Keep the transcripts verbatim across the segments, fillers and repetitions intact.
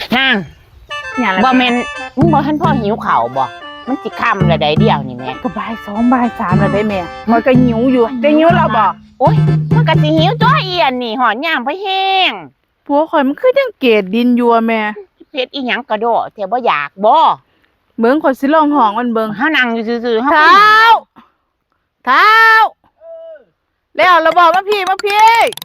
นางบ่แม่นมึงบ่ทันพ่อหิวข้าวบ่มันสิค่ำแล้วได้เดียวนี่แม่ก็บ่ายสองบ่ายสามแล้วได้แม่มันก็หิวอยู่ได้หิวเราบ่โอ๊ยมันก็สิหิวตัวเอียนนี่หอนย่างไปแห้งผัวข่อยมันคือจังเกตดินอยู่แม่เฮ็ดอีหยังกระโดดแต่บ่อยากบ่เบิ่งข่อยสิลองห้องมันเบิ่งเฮานั่งอยู่ซื่อๆเฮาเท้าเท้าแล้วเราบอกมาพี่มาพี่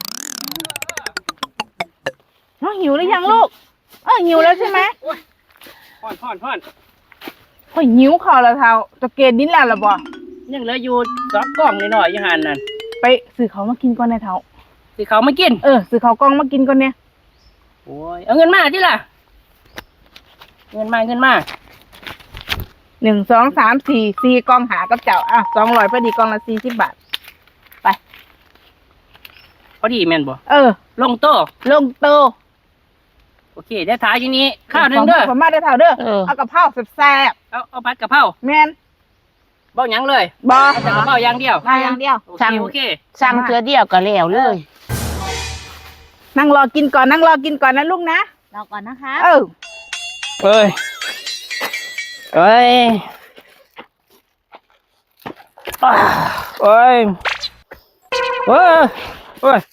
น้องหิวหรือยังลูกเออหิวแล้วใช่ไหมพ่อนพ่อนพ่อนข่อยหิวข้าวแล้วเท้าจะเกตดินแล้วล่ะบ่ยังเหลืออยู่สองกล่องนิดหน่อยยังหันนั่นไปซื้อเขามากินก่อนในเท้าสิเขามากินเออซื้อเขากล่องมากินก่อนเนี่ยโอ้ยเอาเงินมาที่ล่ะเงินมาเงินมาหนึ่งสองสามสี่สี่กล่องหากับเจ้าอ่ะสองร้อยพอดีกล่องละสี่สิบบาทไปพอดีแม่นบ่เออลงโต๊ะลงโตโอเคได้ถ่ายอยู่นี้ข้าวหนึ่งเด้อผมมาได้เท่าเด้อเอากะเพราแซ่บเอาเอาผัดกะเพราแม่นบ่ยังเลยบ่แต่กะเพราอย่างเดียวอย่างเดียวสั่งโอเคสั่งเทื่อเดียวก็แล้วเลยนั่งรอกินก่อนนั่งรอกินก่อนนะลูกนะรอก่อนนะคะเออเอ้ยเอ้ยโอ้ยโอ้ยโอ้ย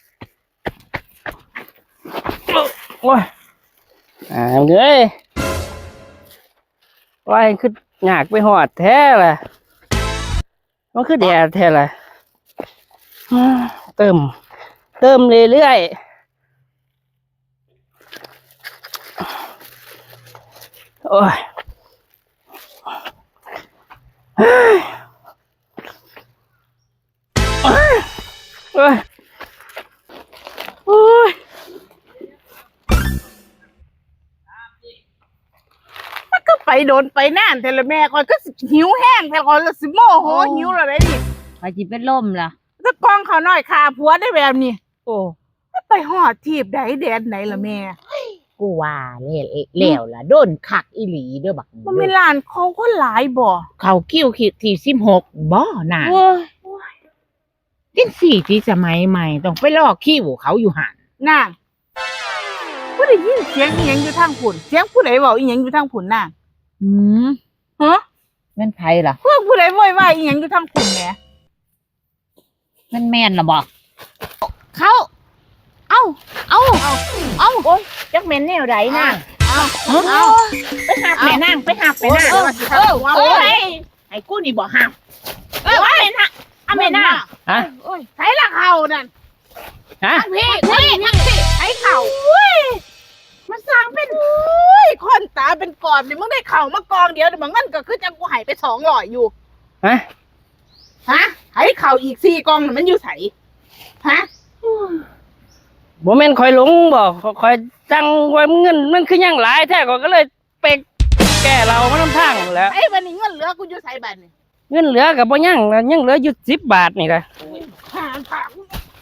โอ้ยอ่าเงยว่าคืออยากไปหอดแท้ล่ะมันคือแดดแท้ล่ะเติมเติมเรื่อยๆโอ้ยโอ้ยโอ้ยโอ้ยมันก็ไปโดนไปน่านแต่ละแม่คอยก็หิวแห้งแต่คอยละสิโมโหหิวแล้วได้ดิไปจิเป็นลมล่ะถ้ากองเขาหน่อยคาผัวได้แบบนี้โอ้ไปหอดทีบใดแดนไหนล่ะแม่กูว่าแล้วแล้วล่ะโดนคักอีหลีเด้อบักมันมีร้านเขาก็หลายบ่เขาคิวที่สิบหกบ่น่ะจังสี่ที่สมัยใหม่ต้องไปลอกคิวเขาอยู่หั่นน่ะผู้ได้ยินเสียงอีหยังอยู่ทางผุ่นเสียงผู้ใดเว้าอีหยังอยู่ทางผุ่นน่ะหืมฮะแม่นไผล่ะเพิ่นผู้ใดโวยวายอีหยังอยู่ทางผุ่นแหมแม่นแม่นล่ะบ่เขาเอ้าเอ้าเอ้าเอ้าโอ๊ยจักแม่นแนวใดน่ะเอ้าเอ้าไปหาแม่นางไปหาแม่นางเออเออโอ้ยให้กูนี่บ่หาเออแม่นางเอาแม่นางฮะโอ้ยไผละเฮานั่นฮะพี่พี่นั่งสิไผเข่าอุ้ยมันสร้างเป็นอุ้ยคนตาเป็นกอบนี่มึงได้เข่ามากองเดียวเดี๋ยวมันงั้นก็คือจังกูหายไปสองร้อยอยู่ฮะฮะไผเข่าอีกสี่กองมันอยู่ไสฮะบ่แม่นคอยหลงบ่คอยจังไว้เงินมันคือยังหลายแท้ก็เลยไปแก้เรามาทำทางแล้วไอ้บัดนี้เงินเหลือกูอยู่ไสบัดนี่เงินเหลือก็บ่ยังยังเหลืออยู่สิบบาทนี่ล่ะหาถาม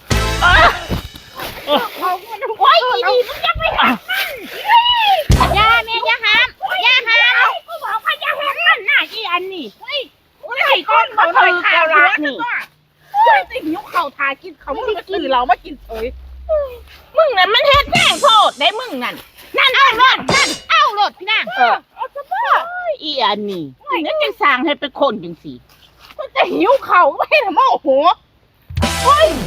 เอาโอ้ยดีมึงยังไม่หายาแม่ยาหามยาหามกูบอกว่ายาหามมันน่ะอีอันนี้เฮ้ยไอ้ก้อนเขาเคยข่าวรักนี่เฮ้ยติหิวเข่าทากินเขามึงมาซื้อเรามากินเอ้ยมึงนั่นมันเฮ็ดแกล้งโทษได้มึงนั่นนั่นเอารถนั่นเอารถพี่นางเออเอาซะบ่อีอันนี้นั่นจังสร้างให้เป็นคนจังซี่มันจะหิวเข่าไม่ทำโมโหเฮ้ย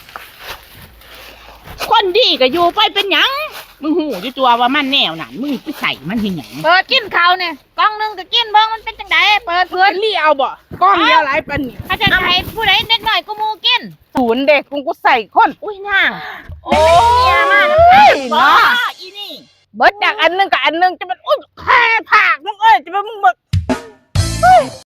คนดีก็อยู่ไปเป็นหยังมึงหูอยู่ตัวว่ามันแนวนั่นมึงไปใส่มันเฮ็ดหยังเปิดกินข้าวเนี่ยกล่องนึงก็กินเบิ่งมันเป็นจังได๋เปิดเพื่อนลี่เอาบ่กล่องเดียวหลายปานนี้ถ้าจะให้ผู้ใดเด็กน้อยกูมูกินศูนย์เด็กกูกูใส่คนอุ้ยนางโอ้ยมาเนาะอีนี่เบิดจากอันนึงกับอันนึงจะมันอุ้ยแค่ผากมึงเอ้ยจะเป็นมึง